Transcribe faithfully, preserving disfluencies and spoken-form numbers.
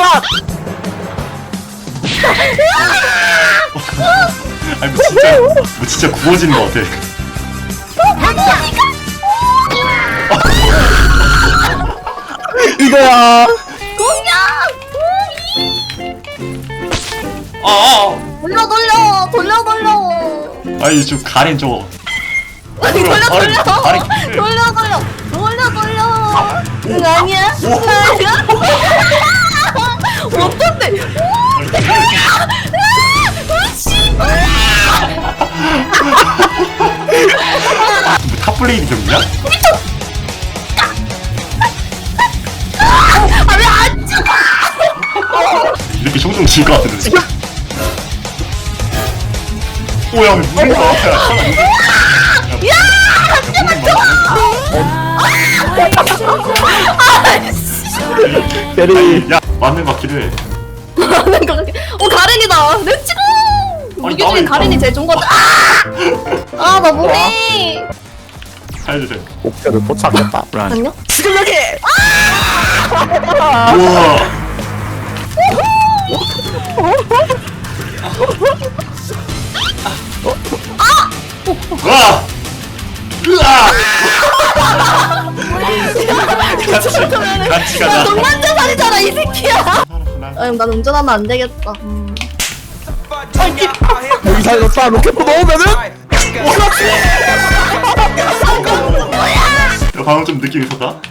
아니 뭐 진짜 뭐 진짜 구워지는 거 같아. 이거야. 공격! 아, 아. 돌려 돌려 돌려 돌려. 아니 좀 가린 저거. 아니 돌려 아니, 돌려 아니, 돌려 돌려 돌려 돌려. 응 아니야? 응 아니야? 어떤데? 뭐 탑블레이드 경기야? 아왜안 죽어? 이렇게 종종 질 것 같은데 지금. 오야 무슨 거야? 야! 베리. 야 맞는 거 같기도 해. 하는 거 같아. 어 가렌이다. 렛츠고. 무기 나 중에 왜- 가렌이 제일 좋은 거 같아. 아 나 뭐해? 살려주세요. 목표를 포착했다. 안녕? 지금 여기. 우와. 와. 으아. 같이 같이 야 가자. 동반자살이잖아 이 새끼야. 아 형, 난 운전하면 안 되겠다. 음. 여기 살렸다. 로켓포 넣으면은. 야, 방금 좀 느낌 있었다.